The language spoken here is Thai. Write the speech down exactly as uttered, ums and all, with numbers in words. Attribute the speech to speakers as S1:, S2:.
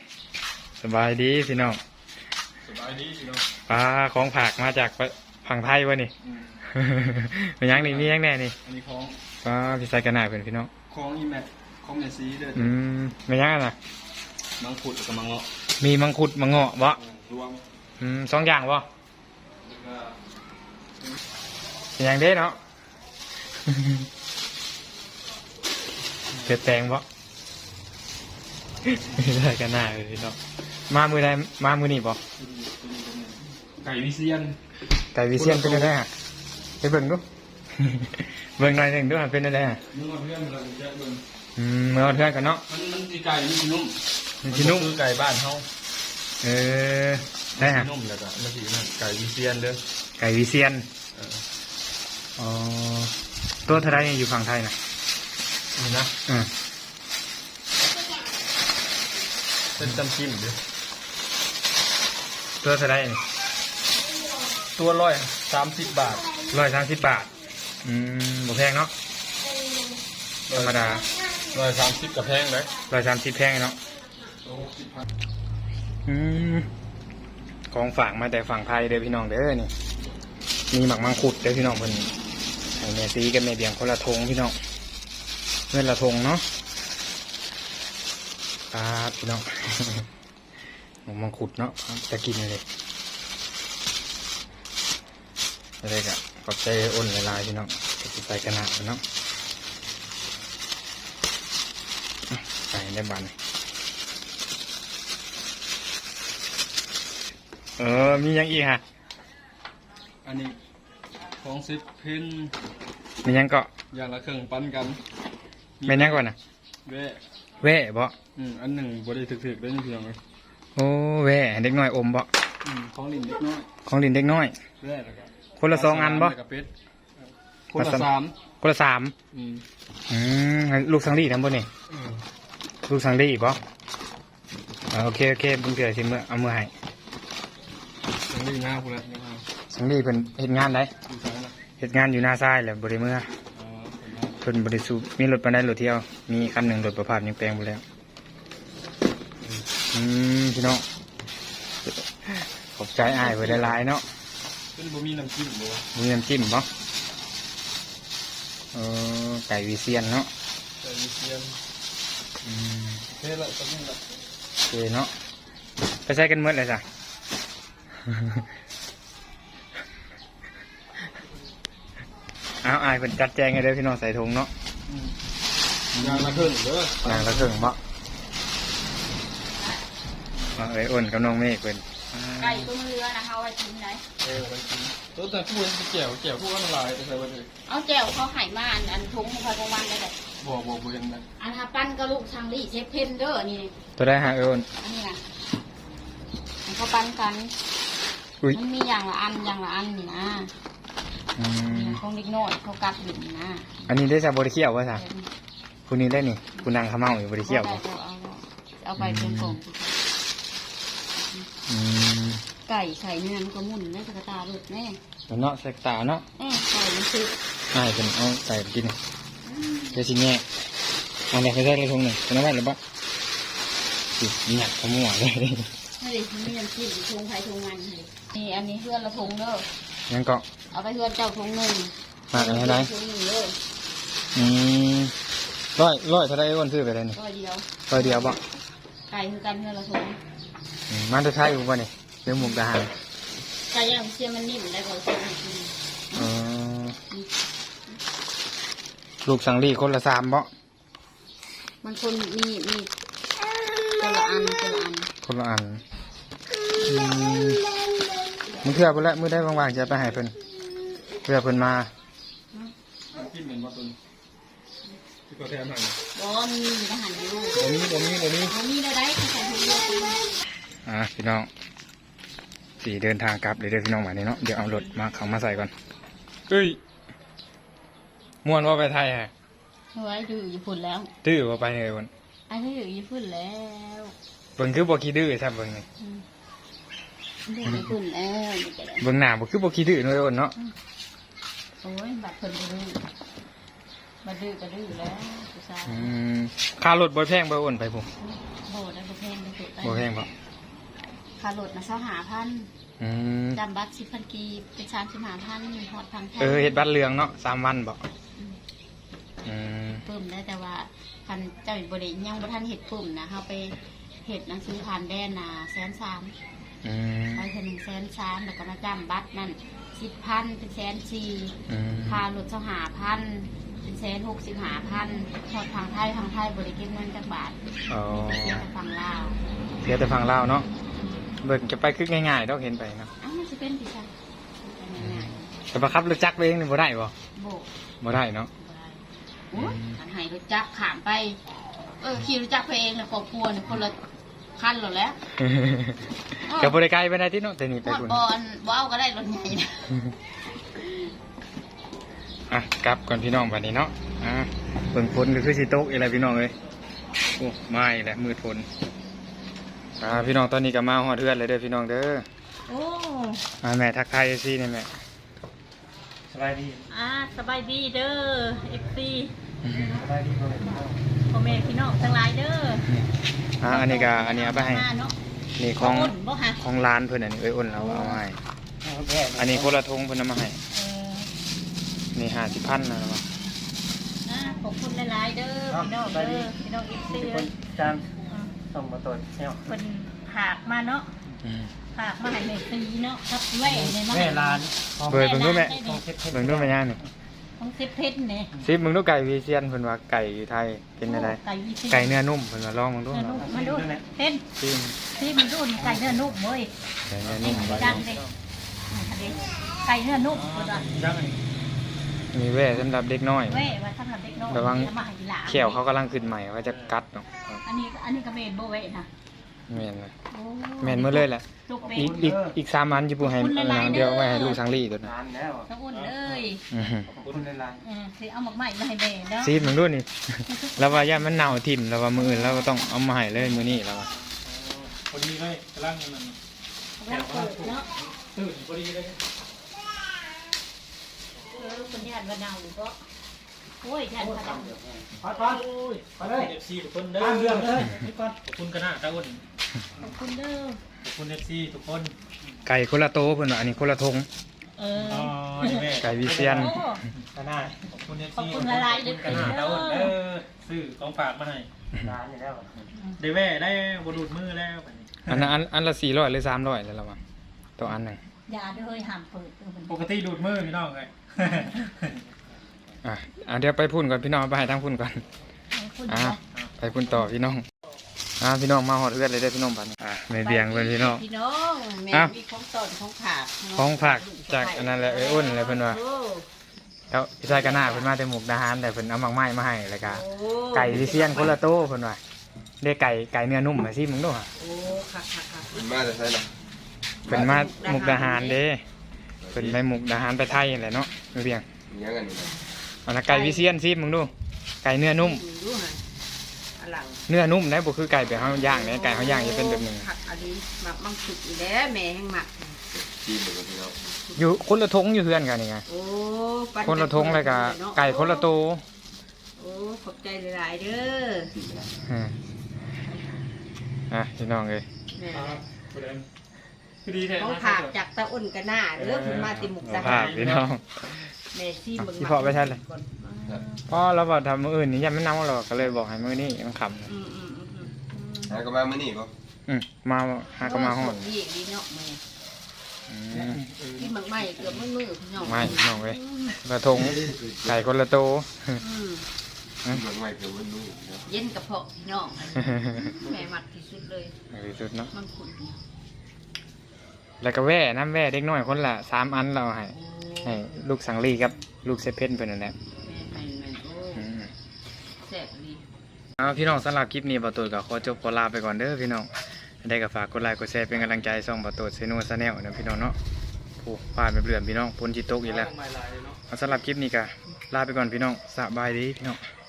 S1: สบายดีพี่น้อง
S2: สบายดีพี่น้อง
S1: ปลาของผักมาจากฝั่งไทยวะนี่เป็นยังนี่มียังแน่นี่
S2: อันนี้ของ
S1: ปลาพี่ใส่กันหน่าเป็นพี่น้อง
S2: ของอีแม็กของแมซีเด้อ
S1: อืมเป็นยังน่ะ
S2: มังคุดกับมังเงาะ
S1: มีมังคุดมังเงาะบ่
S2: รวม
S1: อืมสองอย่างบ่เป็นยังเด้เนาะเกิดแตงบ่ใส่กันหน้าเลยพี่น้องมามือใดมามือนี่บ่
S2: ไก่วิเซียน
S1: ไก่วิเซียนเป็นอะไรฮะไปเบิ่งดูเบิ่งหน่อยหนึ่งดูเป็นอะไรฮะ
S2: เมื่อเพื่อนเราจะเบิ่ง
S1: อืมเมื่อเพื่อนกันเนาะ
S2: มันมันสีไก่มันสีนุ่ม
S1: มันสีนุ่ม
S2: คือไก่บ้านเขา
S1: เออได้ฮะ
S2: นุ่มแล้วก็มันสีนั่นไก่วิเซียนเด้อ
S1: ไก่วิเซียนอ๋อตัวเท่าไรอยู่ฝั่งไทยนะ
S2: นี่นะ
S1: อืม
S2: เป็นจำชิมเด้อ
S1: ตัวเท่าไรนี่
S2: ตัวร้อยสามสิบบาท
S1: ร้อยสามสิบบาทอืมบ่แพงเนาะธรรมดา
S2: ร้อยสามสิบกับแพงเลย
S1: ร้อยสามสิบแพงเนาะอืมของฝากมาแต่ฝั่งไทยเด้อพี่น้องเด้อนี่มีหมักมังคุดเด้อพี่น้องเพิ่นให้แม่ซีกับแม่เบียงคนละทงพี่น้องเพื่อนละทงเนาะครับพี่น้องหมักมังคุดเนาะจะกินเลยอะไรกะขอบใจอ้นละลายพี่น้องจะใส่กระนาดเนาะใส่ได้บานเออมียังอีกฮะ
S2: อันนี้ของซิปเพน
S1: มียังก็
S2: อย่างละเครื่องปั้นกัน
S1: เป็นยังก่อนนะ
S2: เว่
S1: เว่บ่
S2: อืมอันหนึ่งบริถึกๆได้ยังเพียงเลย
S1: โอ้เว่เด็กน้อยอมบ่
S2: อืมของลินเด็กน้อย
S1: ของลินเด็กน้อย
S2: เว่แล้วก็
S1: คนละสองอันบ่
S2: คนละสาม
S1: คนละสามอืมอืมลูกสังลีทำบ่นี่ลูกสังลีบ่โอเคโอเคบุญเกิดสิเมื่อเอาเมื่อให้
S2: สังลีหน้าพูดเลย
S1: สังลีเป็นเห็นงานไหนเห็นงานอยู่หน้าซ้ายแหละบริเมื่อเพิ่นบริสุทธิ์มีรถไปได้รถเที่ยวมีคันหนึ่งรถประพาสยังแปลงไปแล้วอืมพี่น้องขอบใจอ้ายไว้หลายๆเนาะ
S2: เป็นบะหมี่น้ำจิ้มบ่
S1: มีน้ำจิ้มบ่เออไก่วิเซียนเนาะ
S2: ไก่วิเซียน
S1: อืม
S2: เท่ละตอนนี้ละ
S1: โอเคเนาะไปใช้กันเมื่อไรจ้ะเอาอายเป็นจัดแจงให้เด้อพี่น้องใส่ถุงเนาะ
S2: ยางละครึ่งเด้
S1: อยางละครึ่งบ่มาเอ้ยอ้นกับน้องเมฆเป็น
S3: ไก่ต้มเรือนะเขาไว้กินไหน
S2: เออไว้กินตัวแต่ผู้เป็นแก้วแก้วผู้อันลายแต่ใส่ไว้เลย
S3: เอาแจ่วเขาไห่มาอันอันทุงของเขาตรงวันได้เลย
S2: บ่บ่บ่ยังไง
S3: อันฮาปั้นก็ลูกช่างลี่เชฟเพนเดอร์นี่
S1: ตัวได้ฮะเอ้น
S3: อันนี้นะเขาปั้นกันมันมีอย่างละอันอย่างละอันนี่นะของเล็กน้อยเขากัดอยู่นี่นะ
S1: อันนี้ได้จากบริเคียวว่าสั่งคุณนี่ได้นี่คุณนางขม้าอยู่บริเคียว
S3: เอาไปเป็นกล่องไก่ไข่เนื้อมันก็มุ่นแม่สกตาหลุดแม่
S1: เนาะสกตาเนาะ
S3: เออไก่มันคือ
S1: ไก่เป็นเอาไก่กินเดี๋ยวสิแง่อันนี้เขาได้เลยทงหนึ่งเป็นอะไรหรือเปล่าสิหนักขมัวเลย
S3: ไม่ได้มีน้ำจิ้มทงไทยทงมันเลยนี่อันนี้เพื่อนละทงเด้อ
S1: ยังก็
S3: เอาไปเพื่อนเจ้าทงหนึ่ง
S1: มากอะไรอืมร้อยร้อยเท่าไรอ้วนซื้อไปเลยนี่
S3: ร้อยเดียว
S1: ร้อยเดียวบ่
S3: ไก่คือกันเพื่อนละทง
S1: มันจะใช่อยู่ป่ะนี่เรื่องมุกดาหาร
S3: ไก่ย่างเชียมันนิ่มได้ก่อนเชียมันนิ่ม
S1: ลูกสังลีคนละสามบ่
S3: มันคนมีมีคนละอันคนละอัน
S1: คนละอันมึงเพื่อไปแล้วมือได้ว่างๆจะไปหายเพิ่นเพื่อเพิ่นมา
S2: กินเหมือนมาตุนที่ก็แทนหน่อย
S3: บ่มีทหารอยู่
S2: บ่มีบ่มีบ่มี
S3: บ่มีได้ได้ใส่ถุงเดียว
S1: อ่ะพี่น้องสี่เดินทางกลับเดี๋ยวพี่น้องมานี่เนาะเดี๋ยวเอารถมาเขามาใส่ก่อนเฮ้ยม่วนว่าไปไทยฮะ
S3: เฮ้ยอยู่ญี่ปุ่นแล้ว
S1: ดื้อว่าไปเลยวัน
S3: ไอ้ที่อยู่ญี่ปุ่นแล้ว
S1: เบิ่งคือบ่ขี้ดื้อใช่เบิ่งนี่
S3: ญี่ปุ่นแล้ว
S1: เบิ่งหน้าบ่คือบ่ขี้ดื้อเลยวันเนาะ
S3: โอ้ยบัดเพิ่นบ่ดื้อบัดดื้อก็ดื้อแล้วผู้ชาย
S1: อืมค่ารถบ่แพงบ่อ้นไปพุ่น
S3: โหได้บ่แพงได้สุดต
S1: บ่แพงบ่
S3: ค่ารถนะเช้าหาพัน
S1: อืม
S3: จำบัตรสิบพันกีบเป็นชามสิบหาพันหอดพัน
S1: เออเฮ็ดบัตรเหลืองเนาะสามวันบ่อืม
S3: ปุ่มได้แต่ว่าคันเจ้าบริยังบ่ทันเห็ดปุ่มนะเขาไปเห็ดหนังสือผ่านแดนนะแสนสาม
S1: อืม
S3: ไปถึงหนึ่งแสนสามแล้วก็มาจำบัตรนั่นสิบพันเป็นแสนสี่
S1: อืม
S3: ค่ารถเช้าหาพันเป็นแสนหกสิบหาพันหอดทางไทยทางไทยบริเก็บเงินจากบาท
S1: อ๋อ
S3: เสียแต่ฝั่งลาว
S1: เสียแต่ฟังลาวเนาะเบิ่งจะไปคือง่ายๆดอกเห็นไปเนาะ
S3: อ้าวมันจะเป็นปีศาจง่าย
S1: แต่ประคับรถจักรไปเองนี่บ่ได้บ่
S3: ๆโบก
S1: บ่ได้เนาะ
S3: โอ้ยหันให้รถจักรขามไป เออขี่รถจักรไปเองนะครอบครัวเนี่ยคนละคันหรอแล้ว
S1: กับบริการไปได้ที่เนาะแต่นี่ไป
S3: หอด
S1: คุณ
S3: บอลบ่เอาก็ได้รถใหญ่นะ
S1: อ่ะกลับก่อนพี่น้องวันนี้เนาะอ่ะเบิ่งฝนก็คือสิตกอะไรพี่น้องเอ้ยโอ้ไม่แหละมืดฝนอ่าพี่น้องตอนนี้ก็มาฮอดเฮือนเลยเด้อพี่น้องเด้อ
S3: โอ้
S1: อ่าแม่ทักทายซี่นี่แม่
S2: สบายดี
S3: อ่าสบายดีเด้อเอฟซี
S2: สบายดีบ่
S3: พ่อแม่พี่น้องทั้งหลายเด้อ
S1: อ่าอันนี้ก็อันนี้เอาไปให้
S3: เนาะ
S1: นี่ของ
S3: อุ่นบ่ฮะ
S1: ของร้านเพิ่นอันนี้เอ้ยอ้นเราเอามาให้อันนี้คนละทงเพิ่นเอามาให้
S3: เออ
S1: นี่ห้าสิบพันนะวะ
S3: อ่าขอบคุณหลายๆเด้อพี่น้องเด้อพี่น้องเอฟซี
S2: คนจามส่งมาตรวจเชี่ยว
S3: เป็นผากมาเนาะ
S1: อืม
S3: ผากมาให้แม่ตีเนาะครับแหว่เนี่ยมา
S2: แม่ร้าน
S1: เบิ่งเบิ่งดูแม่
S2: ต้องเช็ดเช็ด
S1: เบิ่งดูแม่ย่างนี่
S3: ของเซฟเพชรเนี่ย
S1: ซิมึงดูไก่วีเซียนเพิ่นว่าไก่ไทยเป็นอะไร
S3: ไก่ยี่สิบ
S1: ไก่เนื้อนุ่มเพิ่นว่าลองมึงดู
S3: เนื้อนุ่ม
S1: เนาะ
S3: มาดูเห็น
S1: ซิม
S3: ที่มันดูนี่ไก่เนื้อนุ่มเว้ย
S1: ไก่เนื้อ
S3: นี่
S1: นุ่ม
S3: ดังเลยไก่เนื้อนุ่มก็ได้
S2: ยังอันนี้
S1: มีแว่สำหรับเด็กน้อย
S3: เว้ยว่าสำหรับเด็กน้อย
S1: ระวัง
S3: เอามาให้หลาน
S1: เขียวเขากำลังขึ้นใหม่ว่าจะกัดเนาะ
S3: อันนี้อันนี้ก็เมนโบเว้ยนะ
S1: แม่นเลย
S3: โอ้
S1: แม่นหมดเลยแหละ
S3: ลูกเม
S1: อี
S3: น
S1: กอีกอีกสามอันอยู่ปูให้อันนั้นเดียวไว้ให้ลูกสังลี่ตัวนั้น
S2: ร้านแล้ว
S3: ตะอุ่นเลย
S1: อื้อหือ
S2: ขอบคุณในร้าน
S3: เออสิเอาหมกไม้มาให้แม่เนาะ
S1: ซีมึงดูนี่ แล้วว่าย่ามันเน่าทิ่มแล้วว่ามืออื่นเราก็ต้องเอามาให้เลยมื้อนี้แล้วว่า
S2: พอดีเลยกำลังมัน
S3: เอาไว้เปิดเนาะ
S2: ตื่นพอดีเลย
S3: เออคนญาติวันเนาหรือก็โอ้ยญาติวันเนา
S2: พอดพอดไปเลยเอฟซีทุกคนเด้อตามเรื่องเลยนี่ก่อนขอบคุณกันนะตาอุ่น
S3: ขอบคุณเด้อ
S2: ขอบคุณเอฟซีทุกคน
S1: ไก่คนละโตเพิ่นว่าอันนี้คนละทง
S3: เออ
S2: อ๋อนี่แม่
S1: ไก่วิเซียน
S3: โอ้
S2: กันนะขอบคุณเอฟ
S3: ขอบ
S2: ซี
S3: คุณหลายๆเด้อ
S2: กันนะตาอุ่นเด้อซื้อของฝากมาให้ร้านนี่แล้วได้แว่ได้บดูดมือแล้วบัดนี้
S1: อันนั้นอันอันละสี่ร้อยหรือสามร้อยแล้วละวะตัวอันหนึ่ง
S3: ยาเด้อห้ามเปิดเออมัน
S2: ปกติดูดมือพี่น้องเลย
S1: อ่ะอ่ะเดี๋ยวไปพุ่นก่อนพี่น้องไปให้ทางพุ่นก่อน
S3: ขอบคุณ
S1: อ่ะ
S3: เนาะ
S1: ไปพุ่นต่อพี่น้องอ่ะพี่น้องมาหอดเลือดเลยได้อพี่น้องบัดนี้อ่ะไม่เบียงเลยพี่น้อง
S3: พี่น้องแม่
S1: อ้าว
S3: มีของตอนของผาก
S1: ของฝากจากอันนั้นแหละเอ้ยอ้นอะไรเพิ่นว่า
S3: โอ้
S1: แล้วพี่ชายกันหน้าเพิ่นมาแต่หมกดาหารแต่เพิ่นเอาหมักไม้มาให้แล้วก็
S3: โอ้
S1: ไก่วิเซียนคนละโตเพิ่นว่าได้ไก่ไก่เนื้อนุ่มมาสิมึงดูฮะ
S3: โอ้ค่ะค่ะค่ะ
S4: มันมาจะใช่หรอ
S1: เพิ่นมาหมกดาหารเด้เพิ่นไปหมกดาหารไปไทยนั่นแหละเนาะไม่เบียง
S4: มีอย่างกันอยู่นะ
S1: อันนั้นไก่วิเซียนสิมึงดูไก่เนื้อนุ่ม
S3: ดูฮะอลัง
S1: เนื้อนุ่มนะบ่คือไก่แบบเฮาย่างเนี่ยไก่เฮาย่างจะเป็นแบบหนึง
S3: ผักอันนี้หมักมังคุดอีแล้วแม่แห้งหมัก
S4: ทีมเหมือนกันพี่น้อง
S1: อยู่คนละทงอยู่เฮือนกันนี่ไง
S3: โอ้ปั่
S1: คนละทงเลยก็ไก่คนละโต
S3: โอ้ขอบใจหลายๆเด้อ
S1: อืมอ่ะพี่น้องเอ้ย
S3: แม่
S2: ประเด็นคือดีแท้
S3: ของผากจากตะอ้นกันหน้าเด้อเพิ่นมาติมุก
S1: เอา
S3: ดา
S1: ภา
S3: หา
S1: พ
S3: ร
S1: พี่น้อง
S3: แม่ซีเบิ่ง
S1: ที่พ่อไปใช่เลย
S3: ก่อน
S1: เพราะเราบอกทำมื้ออื่นนี่ยังไม่นำหรอกก็เลยบอกให้มื้อนี้มันขำ
S3: อืมอืมอืมอืม
S4: หาก็มาเมื่อนี่ป่ะ
S1: อืมมาหาก็มาห้อง
S3: โยดีดีเนาะแม่
S1: อืม
S3: ที่หมักไหม้เกือบมือๆพี่น้อง
S1: ไม่พี่น้องเว้ยละทงไก่คนละโต
S3: อืม
S4: เหมือนไม่เพื่อนนู่นนะ
S3: เย็นกระเพาะพี่น้องแม่มักที่สุดเลย
S1: ที่สุดเนาะ
S3: มังคุดเนี่ย
S1: แล้วก็แว่น้ำแว่เด็กน้อยคนละสามอันเราให้
S3: โอ้
S1: ให้ลูกสังลีกับลูกเซเพนเพิ่นนั่นแหละ
S3: แม่แม่แม่โอ้
S1: อืม
S3: แซ่บดี
S1: เอาพี่น้องสำหรับคลิปนี้บาตูดก็ขอจบขอลาไปก่อนเด้อพี่น้องได้ก็ฝากกดไลค์กดแชร์เป็นกำลังใจส่องบาตูดเซนูซาแนลนะพี่น้องเนาะผู้ผ่านไปเรื่อยพี่น้องพ้นจิตตกอีกแล้ว
S2: ไม่ลายเลยเนาะ
S1: เอาสำหรับคลิปนี้ก็ลาไปก่อนพี่น้องสบายดีพี่น้อง